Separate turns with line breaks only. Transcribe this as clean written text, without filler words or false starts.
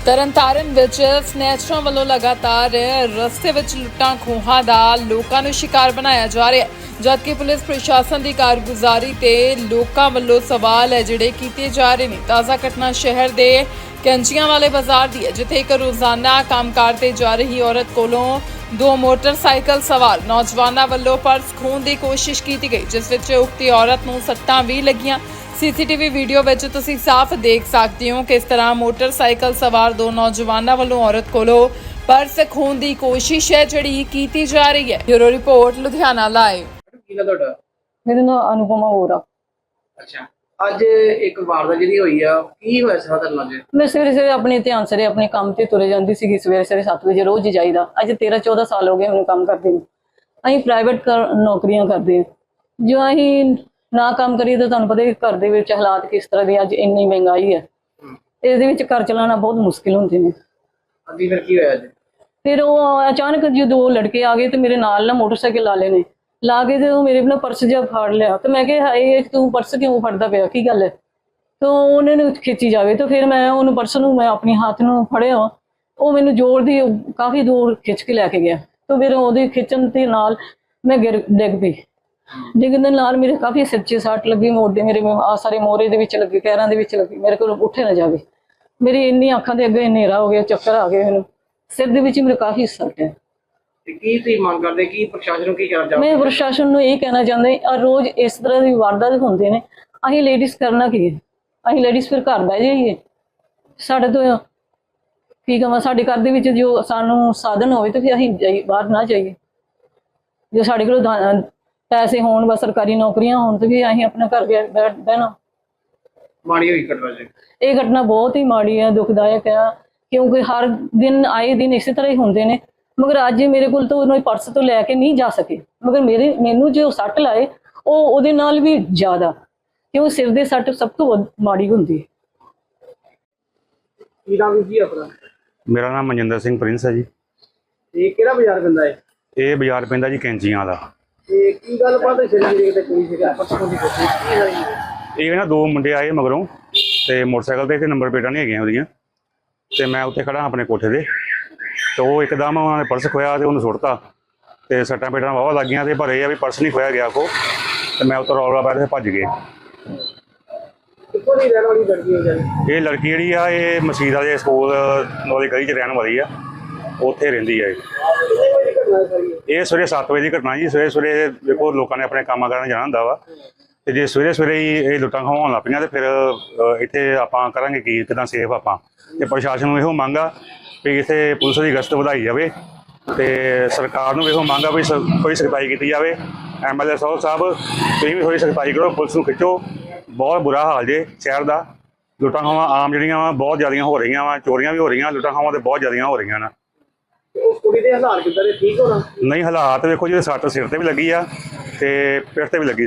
ਤਰਨਤਾਰਨ ਵਿੱਚ ਸਨੈਚਰਾਂ ਵੱਲੋਂ ਲਗਾਤਾਰ ਰਸਤੇ ਵਿੱਚ ਲੁੱਟਾਂ ਖੋਹਾਂ ਦਾ ਲੋਕਾਂ ਨੂੰ ਸ਼ਿਕਾਰ ਬਣਾਇਆ ਜਾ ਰਿਹਾ ਹੈ, ਜਦਕਿ ਪੁਲਿਸ ਪ੍ਰਸ਼ਾਸਨ ਦੀ ਕਾਰਗੁਜ਼ਾਰੀ ਤੇ ਲੋਕਾਂ ਵੱਲੋਂ ਸਵਾਲ ਹੈ ਜਿਹੜੇ ਕੀਤੇ ਜਾ ਰਹੇ ਨੇ। ਤਾਜ਼ਾ ਘਟਨਾ ਸ਼ਹਿਰ ਦੇ ਕੈਂਚੀਆਂ ਵਾਲੇ ਬਾਜ਼ਾਰ ਦੀ ਹੈ, ਜਿੱਥੇ ਇੱਕ ਰੋਜ਼ਾਨਾ ਕੰਮਕਾਰ ਤੇ ਜਾ ਰਹੀ ਔਰਤ ਕੋਲੋਂ ਦੋ ਮੋਟਰਸਾਈਕਲ ਸਵਾਰ ਨੌਜਵਾਨਾਂ ਵੱਲੋਂ ਪਰਸ ਖੋਹਣ ਦੀ ਕੋਸ਼ਿਸ਼ ਕੀਤੀ ਗਈ, ਜਿਸ ਵਿੱਚ ਉਕਤੀ ਔਰਤ ਨੂੰ ਸੱਟਾਂ ਵੀ ਲੱਗੀਆਂ। सीसीटीवी वीडियो ਵਿੱਚ ਤੁਸੀਂ ਸਾਫ਼ ਦੇਖ ਸਕਦੇ ਹੋ ਕਿ ਇਸ ਤਰ੍ਹਾਂ ਮੋਟਰਸਾਈਕਲ ਸਵਾਰ ਦੋ ਨੌਜਵਾਨਾਂ ਵੱਲੋਂ ਔਰਤ ਕੋਲੋਂ ਪਰਸ ਖੋਹਣ ਦੀ ਕੋਸ਼ਿਸ਼ ਹੈ ਜਿਹੜੀ ਕੀਤੀ ਜਾ ਰਹੀ ਹੈ। Bureau report Ludhiana live.
ਕੀ ਗੱਲ ਤੁਹਾਡਾ?
मेरा नाम अनुपमा होरा।
ਅੱਛਾ, ਅੱਜ ਇੱਕ ਵਾਰਦਾਤ ਜਿਹੜੀ ਹੋਈ ਆ, ਕੀ ਹੋਇਆ ਸਾਰਾ ਤੁਹਾਡੇ ਨਾਲ?
मैं सवेरे सवेरे अपने ध्यान से अपने काम से तुरे जाती सी। सवेरे सवेरे 7 बजे रोज ही जाईदा। अज 13-14 साल हो गए मैंने काम करते हैं। अं प्राइवेट नौकरियां करते हैं, जो अं ना काम करिए तो तुहानूं पता ही घर दे विच हालात किस तरह की अज इन्नी महंगाई है, इहदे विच घर चलाना बहुत मुश्किल होंदे ने।
अभी फिर की होया?
फिर वो अचानक जो दो लड़के आ गए तो मेरे नाल ना मोटरसाइकिल ला लेने ला के तो मेरे ना पर्स जब फाड़ लिया। तो मैं कहा हाय तू पर्स क्यों फड़दा पिया, की गल है? तो उन्होंने खिंची जावे तो फिर मैं उन्होंने पर्स नूं मैं अपने हाथ नूं फड़िया, वो मैनूं जोर दी काफ़ी दूर खिंच के लैके गया। तो फिर ਉਹਦੇ खिंचण ਦੇ ਨਾਲ मैं डिग पई। डिगन ਦੇ ਨਾਲ ਮੇਰੇ ਕਾਫੀ ਸਿਰ 'ਚ ਸੱਟ ਲੱਗੀ, ਮੋਢੇ ਮੇਰੇ ਆ ਸਾਰੇ ਮੋਰੇ ਦੇ ਵਿੱਚ ਲੱਗੀ, ਪੈਰਾਂ ਦੇ ਵਿੱਚ ਲੱਗੀ, ਮੇਰੇ ਕੋਲ ਉੱਠੇ ਨਾ ਜਾਵੇ। ਮੇਰੀ ਇੰਨੀ ਅੱਖਾਂ ਦੇ ਅੱਗੇ ਹਨੇਰਾ ਹੋ ਗਿਆ, ਚੱਕਰ ਆ ਗਏ ਮੈਨੂੰ, ਸਿਰ ਦੇ ਵਿੱਚ ਮੇਰੇ ਕਾਫੀ ਸੱਟ ਹੈ।
ਤੇ ਕੀ ਤੁਸੀਂ ਮੰਗ ਕਰਦੇ, ਕੀ ਪ੍ਰਸ਼ਾਸਨ ਨੂੰ ਕੀ ਕਰਨਾ ਚਾਹੁੰਦੇ?
ਮੈਂ ਪ੍ਰਸ਼ਾਸਨ ਨੂੰ ਇਹ ਕਹਿਣਾ ਚਾਹੁੰਦੀ ਆ, ਰੋਜ਼ ਇਸ ਤਰ੍ਹਾਂ ਦੀ ਵਾਰਦਾਤ ਹੁੰਦੇ ਨੇ, ਅਸੀਂ ਲੇਡੀਜ਼ ਕਰਨਾ ਕੀ ਹੈ? ਅਸੀਂ ਲੇਡੀਜ਼ ਫਿਰ ਘਰ ਬਹਿ ਜਾਈਏ? ਸਾਡੇ ਤੋਂ ਕੀ ਕਹਾਂ, ਸਾਡੇ ਘਰ ਦੇ ਵਿੱਚ ਜੋ ਸਾਨੂੰ ਸਾਧਨ ਹੋਵੇ ਤਾਂ ਫਿਰ ਅਸੀਂ ਬਾਹਰ ਨਾ ਜਾਈਏ। ਜੋ ਸਾਡੇ ਕੋਲ ਪੈਸੇ ਹੋਣ, ਬਸ ਸਰਕਾਰੀ ਨੌਕਰੀਆਂ ਹੋਣ ਤੇ ਵੀ ਅਸੀਂ ਆਪਣਾ ਘਰ ਬਹਿਣਾ।
ਮਾੜੀ ਹੋਈ ਘਟਨਾ ਜੀ।
ਇਹ ਘਟਨਾ ਬਹੁਤ ਹੀ ਮਾੜੀ ਹੈ, ਦੁਖਦਾਇਕ ਹੈ, ਕਿਉਂਕਿ ਹਰ ਦਿਨ ਆਏ ਦਿਨ ਇਸੇ ਤਰ੍ਹਾਂ ਹੀ ਹੁੰਦੇ ਨੇ। ਮਗਰ ਅੱਜ ਮੇਰੇ ਕੋਲ ਤਾਂ ਉਹਨੂੰ ਪਰਸ ਤੋਂ ਲੈ ਕੇ ਨਹੀਂ ਜਾ ਸਕੇ, ਮਗਰ ਮੈਨੂੰ ਜੋ ਸੱਟ ਲਾਏ ਉਹ ਉਹਦੇ ਨਾਲ ਵੀ ਜ਼ਿਆਦਾ, ਕਿਉਂ ਸਿਰ ਦੇ ਸੱਟ ਸਭ ਤੋਂ ਮਾੜੀ ਹੁੰਦੀ ਹੈ।
ਕੀ ਨਾਮ ਜੀ ਆਪਣਾ?
ਮੇਰਾ ਨਾਮ ਮਨਜਿੰਦਰ ਸਿੰਘ ਪ੍ਰਿੰਸ ਹੈ ਜੀ।
ਇਹ ਕਿਹੜਾ ਬਾਜ਼ਾਰ ਪੈਂਦਾ ਹੈ?
ਇਹ ਬਾਜ਼ਾਰ ਪੈਂਦਾ ਜੀ ਕੈਂਚੀਆਂ ਦਾ।
ਤੇ ਕੀ ਗੱਲ ਬਾਤ ਸ਼ਰੀਰ ਦੇ ਕੋਈ ਸੀਗਾ ਪਰਸੋਂ ਦੀ ਕੋਸ਼ਿਸ਼ ਕੀ ਹੋਈ?
ਇਹ ਨਾ ਦੋ ਮੁੰਡੇ ਆਏ ਮਗਰੋਂ ਤੇ ਮੋਟਰਸਾਈਕਲ ਤੇ ਨੰਬਰ ਪਲੇਟਾਂ ਨਹੀਂ ਹੈਗੀਆਂ ਉਹਦੀਆਂ, ਤੇ ਮੈਂ ਉੱਤੇ ਖੜਾ ਆਪਣੇ ਕੋਠੇ ਤੇ, ਤੇ ਉਹ ਇੱਕਦਮ ਉਹਨਾਂ ਨੇ ਪਰਸ ਖੋਇਆ ਤੇ ਉਹਨੂੰ ਸੁੱਟਤਾ, ਤੇ ਸੱਟਾਂ ਪੇਟਾਂ ਵਾਹਵਾ ਲੱਗੀਆਂ, ਤੇ ਪਰ ਇਹ ਆ ਵੀ ਪਰਸ ਨਹੀਂ ਖੋਇਆ ਗਿਆ ਕੋ, ਤੇ ਮੈਂ ਉੱਤੋਂ ਰੌਲਾ ਪਾਇਆ ਤੇ ਭੱਜ ਗਏ।
ਕਿੱਥੋਂ ਦੀ ਰਹਿਣ ਵਾਲੀ ਲੜਕੀ ਹੈ ਜੀ?
ਇਹ ਲੜਕੀ ਜਿਹੜੀ ਆ ਇਹ ਮਸੀਤ ਵਾਲੇ ਸਕੂਲ ਵਾਲੀ ਗਲੀ 'ਚ ਰਹਿਣ ਵਾਲੀ ਆ, ਉੱਥੇ ਰਹਿੰਦੀ ਹੈ।
ਕਿੰਨੇ ਵਜੇ ਦੀ ਘਟਨਾ ਹੈ ਸਾਰੀ?
ਇਹ ਸਵੇਰੇ 7 ਵਜੇ ਦੀ ਘਟਨਾ ਜੀ। ਸਵੇਰੇ ਦੇਖੋ ਲੋਕਾਂ ਨੇ ਆਪਣੇ ਕੰਮਾਂ ਕਰਨ ਜਾਣਾ ਹੁੰਦਾ ਵਾ, ਤੇ ਜੇ ਸਵੇਰੇ ਹੀ ਇਹ ਲੁੱਟਾਂ ਖਵਾਉਣ ਲੱਗ ਪਈਆਂ ਤੇ ਫਿਰ ਇੱਥੇ ਆਪਾਂ ਕਰਾਂਗੇ ਕੀ, ਕਿੱਦਾਂ ਸੇਫ ਆਪਾਂ? ਤੇ ਪ੍ਰਸ਼ਾਸਨ ਨੂੰ ਇਹੋ ਮੰਗ ਆ ਵੀ ਇੱਥੇ ਪੁਲਿਸ ਦੀ ਗਸ਼ਤ ਵਧਾਈ ਜਾਵੇ, ਤੇ ਸਰਕਾਰ ਨੂੰ ਇਹੋ ਮੰਗ ਆ ਵੀ ਕੋਈ ਸਖਤਾਈ ਕੀਤੀ ਜਾਵੇ। MLA ਸਾਹਿਬ ਤੁਸੀਂ ਵੀ ਥੋੜ੍ਹੀ ਸਖਤਾਈ ਕਰੋ, ਪੁਲਿਸ ਨੂੰ ਖਿੱਚੋ। ਬਹੁਤ ਬੁਰਾ ਹਾਲ ਜੇ ਸ਼ਹਿਰ ਦਾ। ਲੁੱਟਾਂ ਖੋਹਾਂ ਆਮ ਜਿਹੜੀਆਂ ਵਾ ਬਹੁਤ ਜ਼ਿਆਦੀਆਂ ਹੋ ਰਹੀਆਂ ਵਾ, ਚੋਰੀਆਂ ਵੀ ਹੋ ਰਹੀਆਂ, ਲੁੱਟਾਂ ਖੋਹਾਂ ਤੇ ਬਹੁਤ ਜ਼ਿਆਦੀਆਂ ਹੋ ਰਹੀਆਂ ਨੇ।
ਉਸ ਕੁੜੀ ਦੇ ਹਾਲਾਤ ਕਿੱਦਾਂ ਦੇ? ਠੀਕ ਹੋਣਾ?
ਨਹੀਂ, ਹਾਲਾਤ ਵੇਖੋ ਜੀ, ਸੱਟ ਸਿਰ ਤੇ ਵੀ ਲੱਗੀ ਆ ਤੇ ਪਿੱਠ ਤੇ ਵੀ ਲੱਗੀ।